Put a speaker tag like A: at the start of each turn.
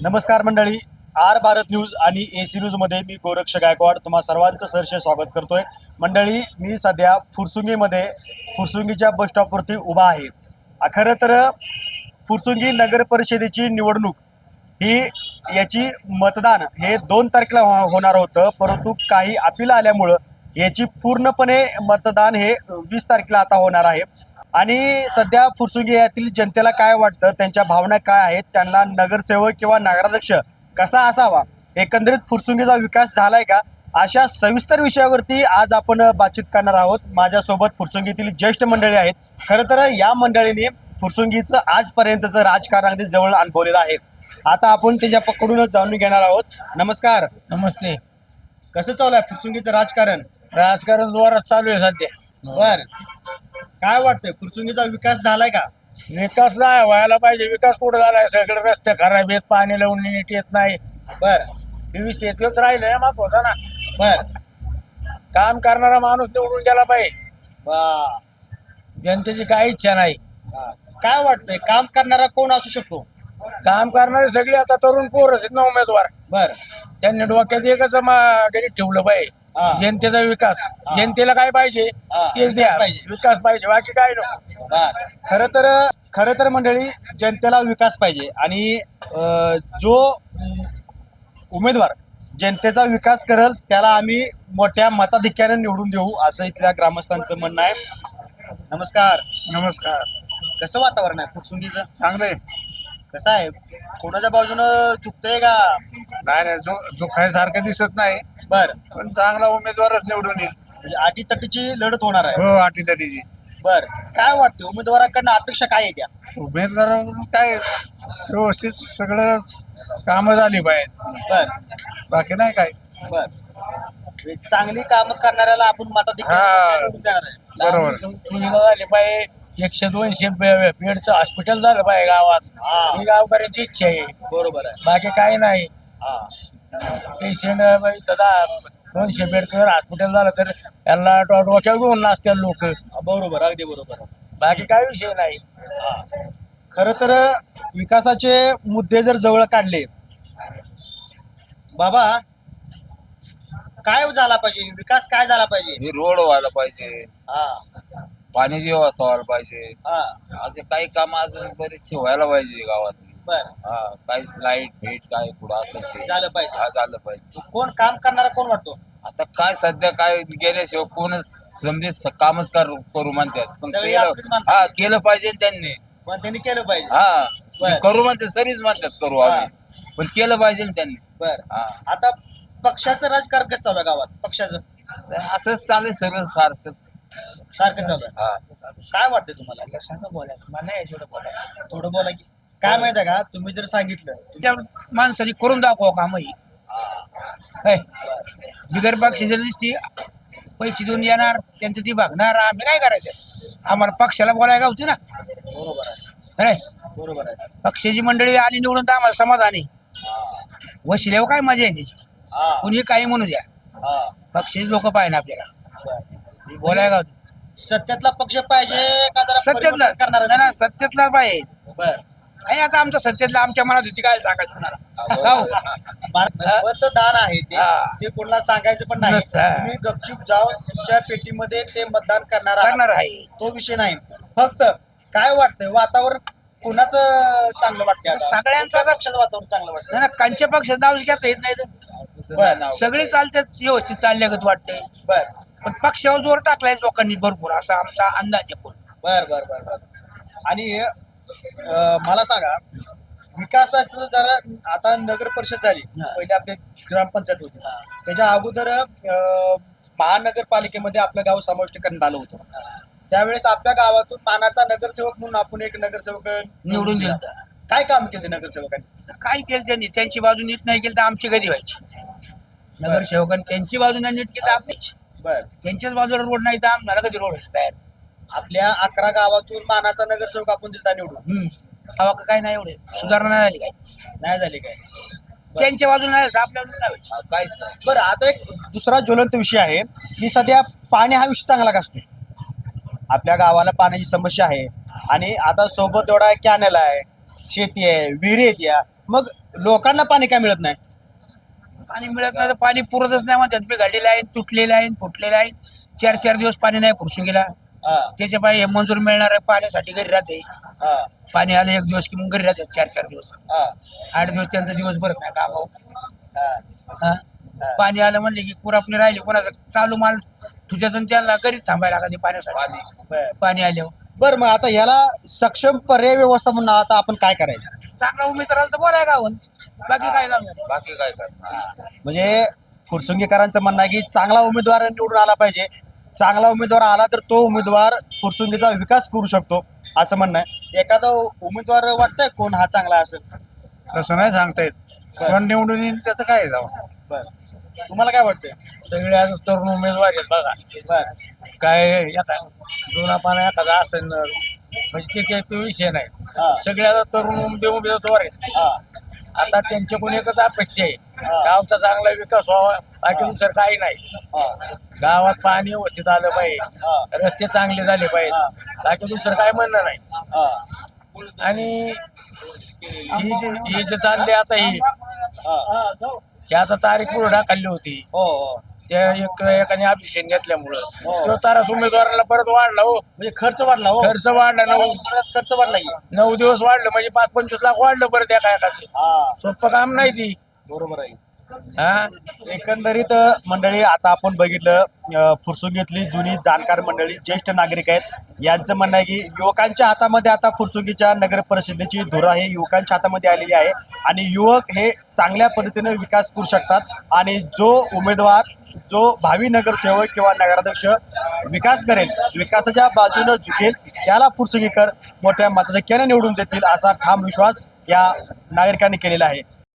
A: नमस्कार मंडळी. R Bharat news आणि एसी न्यूज मध्ये मी गोरक्ष गायकवाड तुम्हा सर्वांचं सहर्ष स्वागत करतोय. मंडळी, मी सध्या फुरसुंगीच्या बस स्टॉपवरती उभा आहे. खरं तर फुरसुंगी नगर परिषदेची निवडणूक ही याची मतदान हे 2 तारखेला होणार होतं, परंतु काही अपील आल्यामुळं याची पूर्णपणे मतदान हे 20 तारखेला आता होणार आहे. आणि सध्या फुरसुंगी यातील जनतेला काय वाटतं, त्यांच्या भावना काय आहेत, त्यांना नगरसेवक किंवा नगराध्यक्ष कसा असावा, एकंदरीत फुरसुंगीचा विकास झालाय का, अशा सविस्तर विषयावरती आज आपण बातचीत करणार आहोत. माझ्यासोबत फुरसुंगीतील ज्येष्ठ मंडळी आहेत. खरं तर या मंडळीने फुरसुंगीचं आजपर्यंतचं राजकारण अगदी जवळ अनुभवलेलं आहे. आता आपण त्याच्याकडूनच जाणून घेणार आहोत. नमस्कार.
B: नमस्ते.
A: कसं चालू आहे फुरसुंगीचं राजकारण?
B: राजकारण जोरात चालू आहे सध्या.
A: बर, काय वाटतंय, फुरसुंगीचा विकास झालाय का?
B: विकास नाही व्हायला पाहिजे. विकास कुठं झालाय? सगळे रस्ते खराब आहेत, पाणी लावून नीट येत नाही.
A: बर
B: वीस येतच राहिलंय महत्वाचा ना.
A: बर
B: काम करणारा माणूस निवडून गेला पाहिजे.
A: वा.
B: जनतेची काही इच्छा नाही.
A: हा. काय वाटतंय, काम करणारा कोण असू शकतो?
B: काम करणारे सगळे आता तरुण पोरच आहेत ना उमेदवार.
A: बर
B: त्यांनी डोक्यात एकच गणित ठेवलं
A: हा.
B: पाहिजे, जनतेचा विकास. जनतेला काय पाहिजे
A: हा,
B: तेच द्या.
A: विकास पाहिजे.
B: विकास पाहिजे, बाकी काय नको.
A: बर. खरं तर मंडळी, जनतेला विकास पाहिजे आणि जो उमेदवार जनतेचा विकास करेल त्याला आम्ही मोठ्या मताधिक्याने निवडून देऊ, असं इथल्या ग्रामस्थांचं म्हणणं आहे. नमस्कार.
B: नमस्कार.
A: कसं वातावरण आहे फुरसुंगीचं?
B: चांगलंय.
A: कसं आहे, कोणाच्या बाजूनं चुकतंय का?
B: नाही जो सारखं दिसत नाही,
A: बर,
B: पण चांगला उमेदवारच निवडून येईल.
A: म्हणजे अटीतटीची लढत होणार आहे.
B: हो, अटीतटीची.
A: बर, काय वाटतं उमेदवाराकडनं अपेक्षा काय आहे त्या?
B: उमेदवार काय व्यवस्थित सगळं कामं झाली पाहिजे,
A: बर
B: बाकी नाही काय.
A: बर, म्हणजे चांगली कामं करणाऱ्याला आपण
B: हा.
A: मताधिक्याने निवडून देणार आहे.
B: बरोबर. सुविधा झाली पाहिजे. 100-200 बेडचं हॉस्पिटल झालं पाहिजे गावात.
A: हा.
B: ही गावकऱ्यांची इच्छा आहे,
A: बरोबर आहे.
B: बाकी काही नाही.
A: हा.
B: पेशंट 200 बेडचं जर हॉस्पिटल झालं तर त्यांना डोक्यावर घेऊन नाचतात लोक.
A: बरोबर, अगदी बरोबर.
B: बाकी काय विषय नाही.
A: खरं तर विकासाचे मुद्दे जर जवळ काढले, बाबा, काय झाला पाहिजे, विकास काय झाला पाहिजे?
C: हे रोड व्हायला पाहिजे,
A: हा.
C: पाण्याची व्यवस्था व्हायला पाहिजे,
A: हा.
C: असे काही काम अजून बरेचसे व्हायला पाहिजे गावात.
A: बर,
C: हा, काही लाईट भेट काय पुढं असेल ते
A: झालं पाहिजे.
C: हा झालं पाहिजे.
A: कोण काम करणारा कोण वाटतो?
C: आता काय सध्या काय गेल्याशिवाय कोणच समजे कामच करू म्हणतात, पण
A: सगळी आपलीच माणसं.
C: हा केलं पाहिजे त्यांनी.
A: पण त्यांनी केलं पाहिजे.
C: हा,
A: बरं.
C: करू म्हणतात, सरीच म्हणतात करू आम्ही, पण केलं पाहिजे त्यांनी.
A: बर,
C: हा,
A: आता पक्षाचं राजकारण कसं चालू आहे गावात? पक्षाचं
C: असंच चालेल सगळं सारखंच.
A: सारखं चालू आहे.
C: हा,
A: काय वाटतं तुम्हाला? थोडं बोला की. काय माहिती आहे का, तुम्ही जर सांगितलं
B: त्या माणसाने करून दाखवा काम ही. काय बिगर पक्षाची दिसती, पैसे देऊन येणार, त्यांचं ती बघणार, आम्ही काय करायचं? आम्हाला पक्षाला बोलायला होती ना.
A: बरोबर आहे.
B: काय
A: बरोबर आहे.
B: पक्षाची मंडळी आली निवडून तर आम्हाला समाधानी. वशिल्यावर काय मजा आहे त्याची?
A: हा.
B: कुणी काही म्हणू द्या,
A: हा.
B: पक्षाचे लोक पाहिजे आपल्याला
A: बर.
B: बोलायला गावती.
A: सत्यातला पक्ष पाहिजे का जरा
B: सत्यातला
A: परिवर्तन करणारा?
B: नाही ना, सत्यातला पाहिजे.
A: बर.
B: काय आता आमच्या सत्यातला आमच्या मनात होती, काय सांगायचं कोणाला? हो.
A: मतदान आहे ते,
B: हा.
A: ते कोणाला सांगायचं पण नाही.
B: नसतं.
A: तुम्ही गपचूप जाऊन तुमच्या पेटीमध्ये ते मतदान करणार आहात.
B: करणार आहे.
A: तो विषय नाही. फक्त काय वाटतंय, वातावरण कोणाचं चांगलं वाटतंय आता?
B: सगळ्यांचं
A: कोणत्या पक्षाचं वातावरण चांगलं वाटतं?
B: नाही ना, कांच्या पक्षात नाव घेता येत नाही तर.
A: बर.
B: सगळे चालतात, व्यवस्थित चालल्यागत वाटतंय,
A: बर
B: पण पक्षावर जोर टाकलाय लोकांनी भरपूर, असा आमचा अंदाज आहे.
A: बर बर बर बर. आणि मला सांगा, विकासाचं जरा आता नगर परिषद झाली, पहिले आपली ग्रामपंचायत होती, त्याच्या अगोदर महानगरपालिकेमध्ये आपलं गाव समाविष्ट करण्यात आलं होतं. त्यावेळेस आपल्या गावातून मानाचा नगरसेवक म्हणून आपण एक नगरसेवक
B: निवडून दिलं.
A: काय काम केले नगरसेवकांनी?
B: काय केलं त्यांनी? त्यांची बाजू नीट नाही केली तर आमची कधी व्हायची? नगरसेवकांनी त्यांची बाजू नाही नीट केली तर आपलीच.
A: बर.
B: त्यांच्याच बाजूला रोड नाही तर आम्हाला कधी रोड व्हायचं तयार?
A: आपल्या 11 गावातून मानाचा नगरसेवक आपण दिलता निवडून.
B: तेव्हा काय नाही, एवढे सुधारणा नाही झाली. काय
A: नाही झाली काय?
B: त्यांच्या बाजूला नाही आपल्या बाजूला नाही व्हायची.
C: काहीच नाही.
A: बरं, आता एक दुसरा ज्वलंत विषय आहे की सध्या पाणी हा विषय चांगला असतो. आपल्या गावाला पाण्याची समस्या आहे आणि आता सोबत एवढा कॅनल आहे, शेती आहे, विहिरी आहेत. मग लोकांना पाणी काय मिळत नाही?
B: पाणी मिळत नाही तर पाणी पुरतच नाही म्हणतात. बिघडलेलं आहे, तुटलेलं आहे, फुटलेलं आहे. 4-4 दिवस पाणी नाही फुरसुंगीला.
A: हा,
B: त्याच्या पाय मंजूर मिळणार पाण्यासाठी घरी राहते.
A: हा,
B: पाणी आलं 1 दिवस की मग घरी राहतात 4-4 दिवस.
A: हा,
B: 8 दिवस त्यांचा दिवस भरत नाही कामावर.
A: हा.
B: हा? पाणी आलं म्हणले की कुरापणी राहिली, कोणाचं चालू माल तुझ्यात त्याला घरीच थांबायला लागते पाण्यासाठी.
A: बर
B: पाणी आल्यावर
A: बर, मग आता याला सक्षम पर्याय व्यवस्था म्हणून आता आपण काय करायचं?
B: चांगला उमेदवार आला तर बोलाय गावून, बाकी काय काम नाही.
C: बाकी काय करणार.
A: म्हणजे फुरसुंगीकरांचं म्हणणं आहे की चांगला उमेदवार निवडून आला पाहिजे. चांगला उमेदवार आला तर तो उमेदवार फुरसुंगीचा विकास करू शकतो असं म्हणणं आहे. एखादा उमेदवार वाटतंय कोण हा चांगला असेल?
D: तसं नाही सांगता येत. कोण निवडून येईल त्याचं काय जावं.
A: बर, तुम्हाला काय वाटतंय?
E: सगळे आज तरुण उमेदवार आहेत बघा.
A: बर,
E: काय एका जुना पाना एखादा असेल म्हणजे ते तो विषय
A: हा.
E: नाही. सगळे आता तरुण उमेदवार आहेत.
A: हा,
E: आता त्यांच्याकडून एकच अपेक्षा आहे,
A: हा.
E: गावचा चांगला विकास व्हावा, बाकी दुसरं काही नाही.
A: हा,
E: गावात पाणी व्यवस्थित आलं
A: हा.
E: पाहिजे, रस्ते चांगले झाले
A: हा.
E: पाहिजे, बाकी दुसरं काय म्हणणं नाही.
A: हा,
E: आणि ही जे चालले आता ही आता तारीख पुढे ढाकली होती.
A: हो हो,
E: त्या एकाने ऑब्जेक्शन घेतल्यामुळं
A: हो.
E: तो तारास उमेदवाराला परत वाढला हो.
A: म्हणजे खर्च वाढला हो.
E: खर्च वाढला,
A: खर्च वाढला की.
E: 9 दिवस वाढलं म्हणजे 5-25 लाख वाढलं परत एका एकाचं.
A: हा,
E: सोपं काम नाही ती.
A: बरोबर आहे.
E: हा
A: एकंदरीत मंडळी आता आपण बघितलं फुरसुंगीतली जुनी जाणकार मंडळी ज्येष्ठ नागरिक आहेत. यांचं म्हणणं आहे की युवकांच्या हातामध्ये आता फुरसुंगीच्या नगर परिषदेची धुरा ही युवकांच्या हातामध्ये आलेली आहे आणि युवक हे चांगल्या पद्धतीने विकास करू शकतात आणि जो उमेदवार जो भावी नगरसेवक किंवा नगराध्यक्ष विकास करेल, विकासाच्या बाजूने झुकेल, त्याला फुरसुंगीकर मोठ्या मताधिक्याने निवडून देतील असा ठाम विश्वास या नागरिकांनी केलेला आहे.